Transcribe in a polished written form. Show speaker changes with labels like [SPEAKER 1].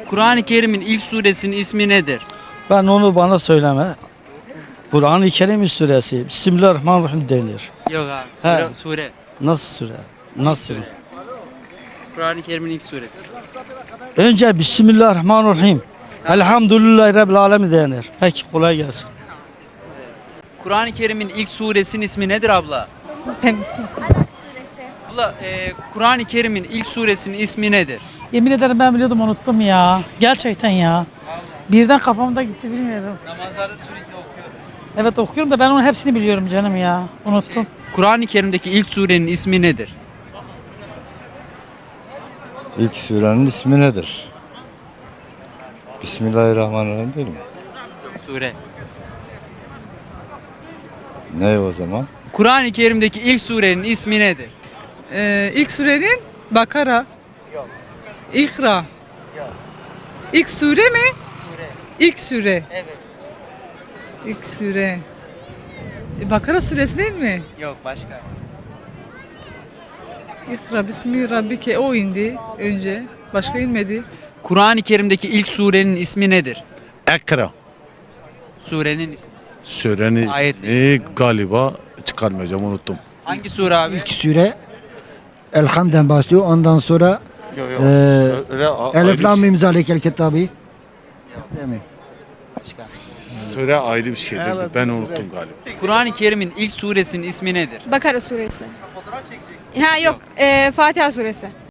[SPEAKER 1] Kur'an-ı Kerim'in ilk suresinin ismi nedir?
[SPEAKER 2] Ben onu bana söyleme. Kur'an-ı Kerim suresi. Bismillahirrahmanirrahim denir.
[SPEAKER 1] Yok abi.
[SPEAKER 2] He.
[SPEAKER 1] Sure.
[SPEAKER 2] Nasıl sure? Nasıl?
[SPEAKER 1] Sure. Kur'an-ı Kerim'in ilk suresi.
[SPEAKER 2] Önce Bismillahirrahmanirrahim. Elhamdülillahi Rabbil Alemin denir. Peki kolay gelsin.
[SPEAKER 1] Kur'an-ı Kerim'in ilk suresinin ismi nedir abla? Abla Kur'an-ı Kerim'in ilk suresinin ismi nedir?
[SPEAKER 3] Yemin ederim ben biliyordum unuttum ya. Gerçekten ya. Birden kafamda gitti bilmiyorum.
[SPEAKER 1] Namazlarda sürekli okuyoruz.
[SPEAKER 3] Evet okuyorum da ben onun hepsini biliyorum canım ya. Unuttum.
[SPEAKER 1] Kur'an-ı Kerim'deki ilk surenin ismi nedir?
[SPEAKER 4] İlk surenin ismi nedir? Bismillahirrahmanirrahim değil mi?
[SPEAKER 1] Sure.
[SPEAKER 4] Ne o zaman?
[SPEAKER 1] Kur'an-ı Kerim'deki ilk surenin ismi nedir?
[SPEAKER 5] İlk surenin Bakara. İkra. İlk sure mi?
[SPEAKER 1] Sure.
[SPEAKER 5] İlk sure.
[SPEAKER 1] Evet.
[SPEAKER 5] İlk sure. Bakara suresi değil mi?
[SPEAKER 1] Yok başka.
[SPEAKER 5] İkra bismi rabbike o indi önce. Başka inmedi.
[SPEAKER 1] Kur'an-ı Kerim'deki ilk surenin ismi nedir?
[SPEAKER 6] Ekra.
[SPEAKER 1] Surenin ismi.
[SPEAKER 6] Surenin
[SPEAKER 1] Ayet
[SPEAKER 6] ismi galiba çıkarmayacağım unuttum.
[SPEAKER 1] Hangi sure abi?
[SPEAKER 7] İlk süre Elham'den başlıyor. Ondan sonra Elif Lam Mim Zalikel Kitabı. Değil mi?
[SPEAKER 1] Başka.
[SPEAKER 6] Söyle ayrı bir şeydir. Ben unuttum galiba.
[SPEAKER 1] Kur'an-ı Kerim'in ilk suresinin ismi nedir?
[SPEAKER 8] Bakara suresi. Ha yok, Fatiha suresi.